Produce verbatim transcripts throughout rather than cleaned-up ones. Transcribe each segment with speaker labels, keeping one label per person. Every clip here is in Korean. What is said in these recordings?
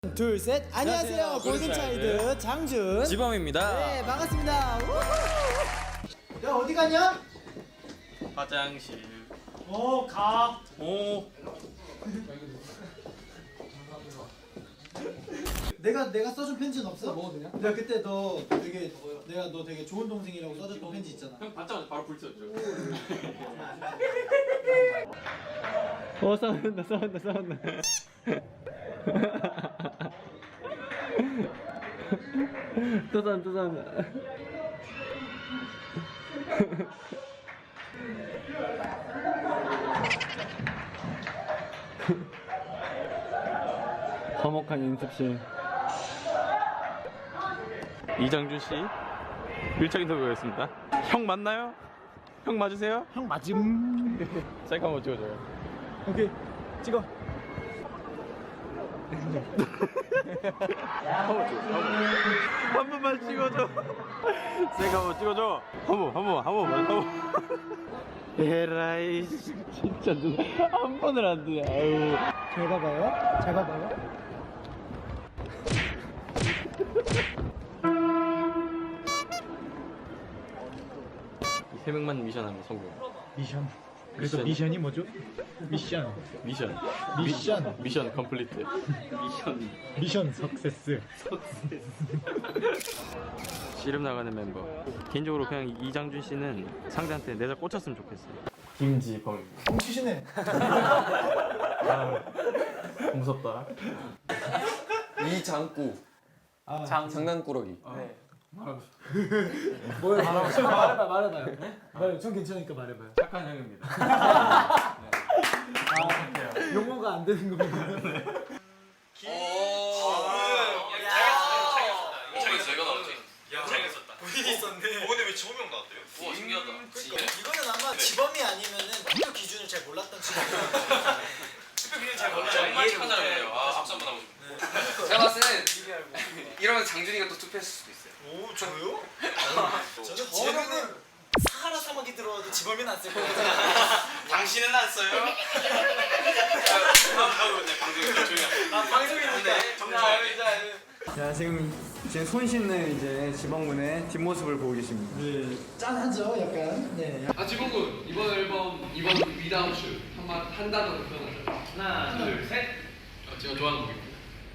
Speaker 1: 둘, 셋. 안녕하세요.
Speaker 2: 안녕하세요.
Speaker 1: 골든차일드
Speaker 2: 골든차일드
Speaker 1: 장준
Speaker 2: 지범입니다.
Speaker 1: 네, 반갑습니다. 우후. 야, 어디 가냐?
Speaker 2: 화장실.
Speaker 1: 어, 가.
Speaker 2: 오.
Speaker 1: 내가 내가 써준 편지는 없어? 먹어도 되냐? 내가 그때 너 되게 내가 너 되게 좋은 동생이라고 써줬던 편지 있잖아.
Speaker 2: 형 받자마자 바로 불 쳤죠.
Speaker 3: 어 싸운다 싸운다 싸운다 또 싸운다 또 싸운다 화목한 연습실.
Speaker 2: 이장준 씨 밀착 인터뷰였습니다. 형 맞나요? 형 맞으세요?
Speaker 1: 형 맞음.
Speaker 2: 셀카 한번 찍어줘요.
Speaker 1: 오케이. 찍어.
Speaker 2: 한 번만 찍어줘. 셀카 한번 찍어줘. 한번한번한번한번 에라이 진짜 누나 한 번을 안 드네. 아유.
Speaker 1: 잘 봐봐요. 잘 봐봐요.
Speaker 2: 세 명만 미션하면 성공.
Speaker 4: 미션. 그래서 미션이 뭐죠? 미션.
Speaker 2: 미션.
Speaker 4: 미션.
Speaker 2: 미션 컴플리트. 미션.
Speaker 4: 미션 석세스.
Speaker 2: 씨름 나가는 멤버. 개인적으로 그냥 이장준 씨는 상대한테 내자 꽂혔으면 좋겠어요. 김지범입니다.
Speaker 1: 뭉치시네.
Speaker 2: 무섭다.
Speaker 5: 이장구
Speaker 1: 아,
Speaker 5: 장 장난꾸러기.
Speaker 1: 네. 뭐야? 말해봐, 말해봐요. 말해. 전 괜찮으니까 말해봐요.
Speaker 2: 착한 형입니다.
Speaker 1: 아, 용어가 안 되는 겁니다. 이거는 아마 지범이 아니면은 투표 기준을 잘 몰랐던 친구예요. 투표 기준 잘 몰라요.
Speaker 6: 정말 착한 사람이에요. 아, 박수 한번 하고 싶네. 제가 봤을 때는 이러면 장준이가 또 투표했을 수도 있어요.
Speaker 1: 오, 저요? 저는 지범이는 사하라 사막이 들어와도 지범이는 안 쓸 거예요.
Speaker 6: 당신은 안 써요? 아, 방송인데 정말
Speaker 3: 자 지금 제 손 씻는 이제 지방군의 뒷모습을 보고 계십니다.
Speaker 1: 네, 짠하죠, 약간. 네.
Speaker 6: 아, 지범군 이번 앨범 이번 위다운 슛 한마 한 단어로 표현하자. 하나, 둘, 셋. 어, 제가 좋아하는 곡입니다.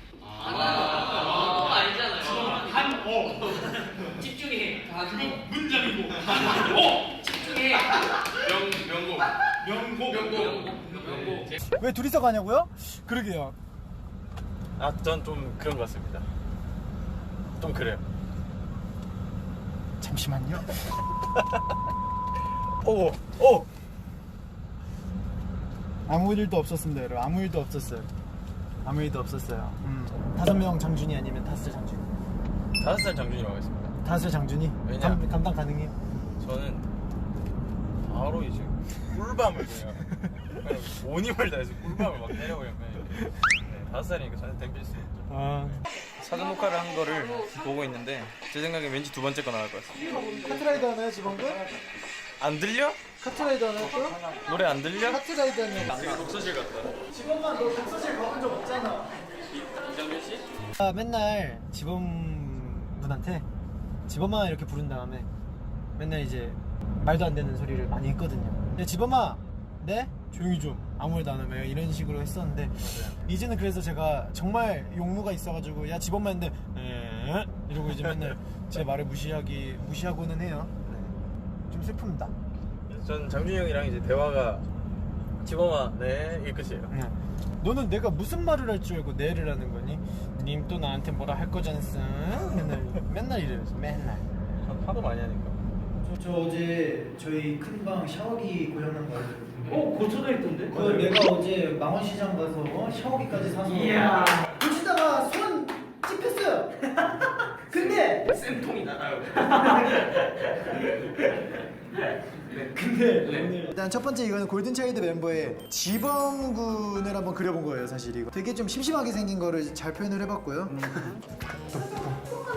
Speaker 6: 아, 아니잖아요. 한 오. 집중해. 한 문장이고. 한 오. 집중해. 명 명곡. 명곡. 명곡. 명곡.
Speaker 1: 왜 둘이서 가냐고요? 그러게요.
Speaker 2: 아, 전 좀 그런 것 같습니다. 좀 그래요.
Speaker 1: 잠시만요.
Speaker 2: 오, 오.
Speaker 1: 아무 일도 없었습니다, 여러분. 아무 일도 없었어요. 아무 일도 없었어요. 음. 다섯 명 장준이 아니면 다섯 장준이.
Speaker 2: 다섯 살 장준이라고 하겠습니다.
Speaker 1: 다섯 장준이.
Speaker 2: 왜냐?
Speaker 1: 감, 감당 가능해요?
Speaker 2: 저는 바로 이제 꿀밤을 그냥 그냥 온 힘을 다해서 꿀밤을 막 때려버리면 네, 다섯 살이니까 저는 댐빌 수 있죠.
Speaker 1: 아.
Speaker 2: 사전 녹화를 한 거를 보고 있는데 제 생각엔 왠지 두 번째 거 나올 것 같습니다.
Speaker 1: 카트라이더 하나요, 지범군?
Speaker 2: 안 들려?
Speaker 1: 카트라이더 하나요, 또?
Speaker 2: 노래 안 들려?
Speaker 1: 카트라이더 하나요?
Speaker 2: 되게 독서실 같다.
Speaker 1: 지범아, 너 독서실 가본 적 없잖아.
Speaker 2: 이장준 씨?
Speaker 1: 아, 맨날 지범 분한테 지범아 이렇게 부른 다음에 맨날 이제 말도 안 되는 소리를 많이 했거든요. 근데 지범아, 네? 조용히 좀 아무 말도 안 하면 이런 식으로 했었는데 이제는 그래서 제가 정말 용무가 있어가지고 야 지범아 했는데 에 이러고 이제 맨날 제 말을 무시하기 무시하고는 해요. 네. 좀 슬픕니다.
Speaker 2: 전 장준이 형이랑 이제 대화가 지범아 네 이게 끝이에요.
Speaker 1: 네. 너는 내가 무슨 말을 할 줄 알고 네를 하는 거니? 님 또 나한테 뭐라 할 거잖스. 맨날 맨날 이래요. 맨날.
Speaker 2: 하도 많이 하니까.
Speaker 1: 저, 저 어제 저희 큰 방 샤워기 고장난 거 알죠?
Speaker 3: 어 고쳐져 있던데?
Speaker 1: 그 내가 어제 망원시장 가서 어? 샤워기까지 사서 이야 붙이다가 손 찝혔어요. 근데
Speaker 6: 쌤통이 나가요.
Speaker 1: 근데 오늘 일단 첫 번째 이거는 골든차일드 멤버의 지범군을 한번 그려본 거예요. 사실 이거 되게 좀 심심하게 생긴 거를 잘 표현을 해봤고요.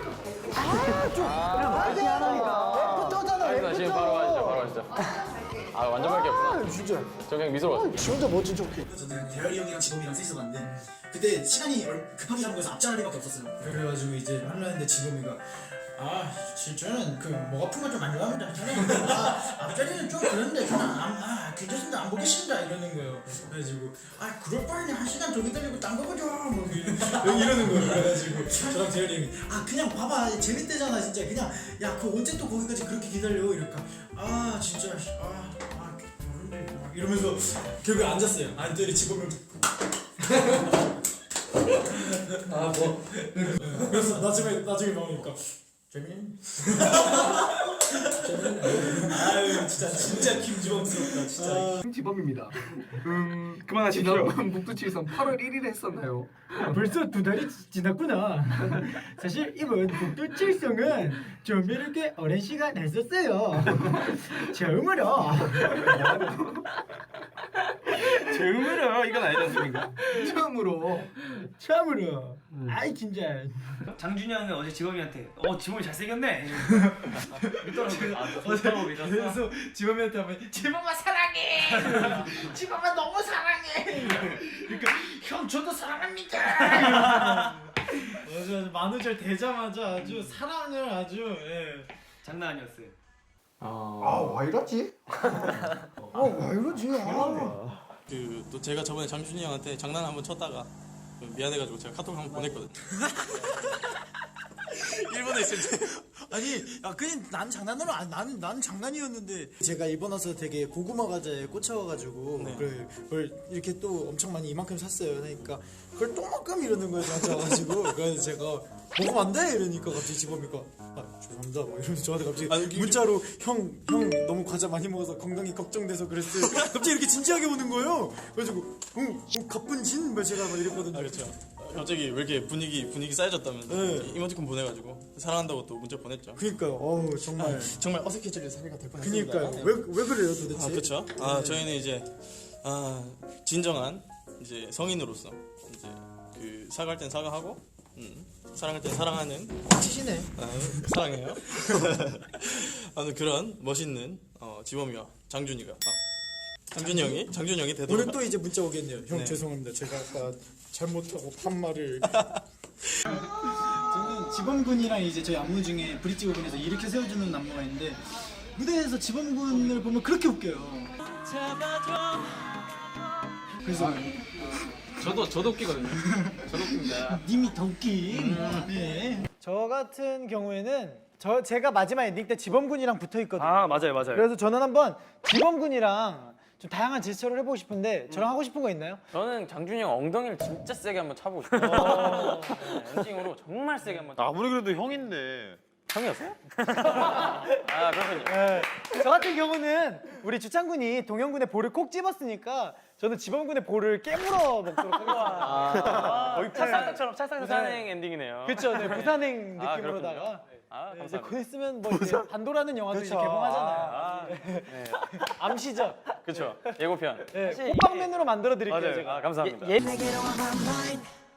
Speaker 1: 아좀 말이 안 하니까 랩부터잖아.
Speaker 2: 지금 바로 하시죠, 바로 하시죠. 아 완전 밝게 했구나.
Speaker 1: 아, 진짜.
Speaker 2: 저 그냥 미소로 봤어요.
Speaker 1: 지 혼자 멋진 척해.
Speaker 5: 저는 대열이 형이랑 지범이랑 셋이서 봤는데 그때 시간이 얼- 급하게 잡은 거여서 앞자를 리밖에 없었어요. 그래가지고 이제 하려는데 지범이가 아 실제는 그 목 아픈 거 좀 안 좋아합니다. 저는 아 앞자리는 좀 그런데 저는 안, 아 괜찮습니다. 안 보겠습니다 이러는 거예요. 그래가지고 아 그럴 바에는 한 시간 더 기다리고 딴 거 보죠. 뭐 이러- 이러는 거예요. 그래가지고 저랑 대열이 형이 아 그냥 봐봐 재밌대잖아 진짜 그냥 야 그 언제 또 거기까지 그렇게 기다려 이럴까 아 진짜 아, 아 그런데 막 이러면서 결국에 앉았어요. 앉더니 지범이 아 뭐 그래서 나중에 나중에 나오니까 재민 아유 진짜 진짜 김지범스럽다 진짜
Speaker 3: 김지범입니다. 음 그만하십시오. 북두칠성 팔월 일일에 했었나요?
Speaker 1: 벌써 두 달이 지- 지났구나. 사실 이번 북두칠성은 좀 이렇게 오랜 시간 했었어요. 처음으로.
Speaker 3: 처음으로 이건 아니지 않습니까? 처음으로.
Speaker 1: 처음으로. 아이 진짜.
Speaker 6: 장준이 형은 어제 지범이한테 어 지범이 잘생겼네. 믿더라고요. 아, 좋다고 믿었어.
Speaker 1: 그래서 지범이한테 하면 지범아 사랑해. 지범아 너무 사랑해. 그러니까 형 저도 사랑합니다. 맞아 맞아 만우절 되자마자 아주 사랑을 아주 예.
Speaker 6: 장난 아니었어요.
Speaker 1: 아왜 이러지? 아왜 이러지? 아.
Speaker 7: 그 또 제가 저번에 장준이 형한테 장난 한번 쳤다가 미안해가지고 제가 카톡 한번 보냈거든요. 일본에 있을 때
Speaker 5: 아니 야 그냥 난 장난으로 안 나는 나는 장난이었는데 제가 일본 와서 되게 고구마 과자에 꽂혀가지고
Speaker 7: 네.
Speaker 5: 그걸, 그걸 이렇게 또 엄청 많이 이만큼 샀어요. 그러니까 그걸 똥만큼 이러는 거예요 저한테 와가지고 그래서 제가 먹으면 안 돼 이러니까 갑자기 지범이가 아 죄송합니다 막 이러면서 저한테 갑자기
Speaker 7: 아니, 이게-
Speaker 5: 문자로 형 형 너무 과자 많이 먹어서 건강이 걱정돼서 그랬어요. 갑자기 이렇게 진지하게 오는 거예요. 그래가지고 응, 응 가뿐진 막 제가 막 이랬거든요.
Speaker 7: 아 그렇죠. 갑자기 왜 이렇게 분위기 분위기 쌓여졌다면서
Speaker 5: 네.
Speaker 7: 이모티콘 보내가지고 사랑한다고 또 문자 보냈죠.
Speaker 5: 그니까요. 어우 정말.
Speaker 7: 정말 어색해질 사례가 될 뻔했습니다.
Speaker 5: 그니까요. 왜 왜 그래요 도대체?
Speaker 7: 아 그렇죠. 아 저희는 이제 아 진정한 이제 성인으로서 이제 그 사과할 땐 사과하고 음, 사랑할 땐 사랑하는
Speaker 5: 치시네.
Speaker 7: 아, 사랑해요. 아무튼 그런 멋있는 어, 지범이와 장준이가 아, 장준이 형이 장준이 형이 되도록
Speaker 5: 오늘 또 이제 문자 오겠네요. 형
Speaker 7: 네.
Speaker 5: 죄송합니다. 제가 아까 잘못하고 판말을.
Speaker 1: 저는 지범군이랑 이제 저희 안무 중에 브릿지 부분에서 이렇게 세워주는 안무가 있는데 무대에서 지범군을 보면 그렇게 웃겨요. 그래서
Speaker 2: 저도 저도 웃기거든요. 저도 웃깁니다.
Speaker 1: 님이 더 웃김. 네. 저 같은 경우에는 저 제가 마지막 엔딩 때 지범군이랑 붙어 있거든요.
Speaker 6: 아 맞아요 맞아요.
Speaker 1: 그래서 저는 한번 지범군이랑 좀 다양한 제스처를 해보고 싶은데 저랑 하고 싶은 거 있나요?
Speaker 2: 저는 장준이 형 엉덩이를 진짜 세게 한번 차보고 싶어요. 네, 엔딩으로 정말 세게 한번.
Speaker 8: 아무리 그래도 형인데.
Speaker 2: 형이었어요? 아 그렇군요.
Speaker 1: 네. 저 같은 경우는 우리 주창군이 동현군의 볼을 콕 집었으니까 저는 지범군의 볼을 깨물어 먹도록 하겠습니다.
Speaker 2: 거의 찰싹처럼 찰싹 부산행 엔딩이네요.
Speaker 1: 그렇죠. 네, 부산행
Speaker 2: 아,
Speaker 1: 느낌으로다가
Speaker 2: 아
Speaker 1: 네, 이제
Speaker 2: 감사합니다.
Speaker 1: 곧 있으면 뭐 이제 반도라는 영화도 이제 개봉하잖아요.
Speaker 2: 아, 네.
Speaker 1: 암시죠.
Speaker 2: 그렇죠. 예고편.
Speaker 1: 네,
Speaker 2: 사실
Speaker 1: 호빵맨으로 만들어 드릴게요.
Speaker 2: 맞아요.
Speaker 1: 제가.
Speaker 2: 아 감사합니다.
Speaker 1: 예,
Speaker 9: 내게로 와봐 mine